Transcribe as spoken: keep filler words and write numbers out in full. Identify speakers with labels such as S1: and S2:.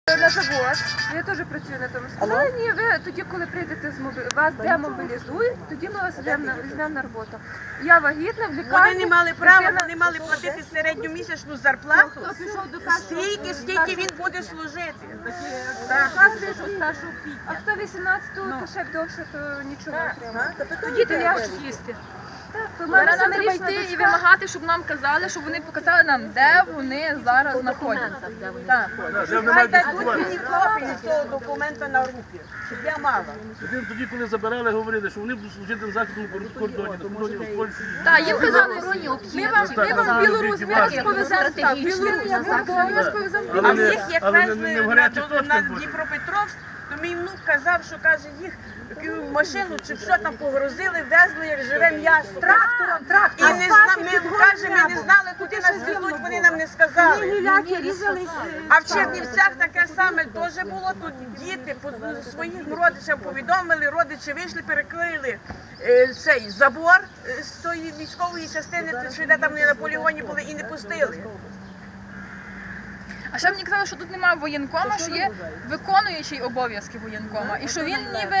S1: На завод, я теж працюю на тому. Сказали, ні, ви тоді, коли прийдете з мобі... вас демобілізують, тоді ми вас візьмемо на, візьмемо на роботу. Я вагітна в лікарні.
S2: Вони не мали права,
S1: дитина-
S2: вони мали платити середньомісячну зарплату, стільки, стільки він буде служити. Так.
S1: А хто вісімнадцятого, то ще довше, то нічого не отримає.
S3: Тоді ти не хочеш їсти.
S1: Так, то в мене
S3: Зараз нам треба
S1: семирічна
S3: йти і
S1: дочка.
S3: вимагати, щоб нам казали, щоб вони показали нам, де вони зараз знаходяться. Так.
S2: Хай дадуть мені копію цього документа на руки, щоб я мала.
S4: Тоді, коли забирали, говорили, що вони будуть служити на західному кордоні, на кордоні з Польщею.
S3: Так, їм казали, ми вам, ми вам в Білорусь, ми вас повеземо так, в Білорусь,
S1: Я буду, я вас повезу в
S2: А
S4: Але не-
S2: всіх, як
S4: але не-
S2: везли
S4: не в
S2: на,
S4: гарячих
S2: на,
S4: точках буде.
S2: Дніпропетровськ, то мій внук казав, що каже, їх в машину чи що там погрузили, везли, як живе м'ясо. Трактором, трактором. І не зна... ми, каже, ми не знали, куди нас везуть, вони нам не сказали. А в Чернівцях таке саме теж було, тут діти по своїм родичам повідомили, родичі вийшли, перекрили е, цей забор е, з тої військової частини, що де там не на полігоні були, і не пустили.
S3: А ще мені казали, що тут немає воєнкома, що є виконуючий обов'язки воєнкома, і що він ніби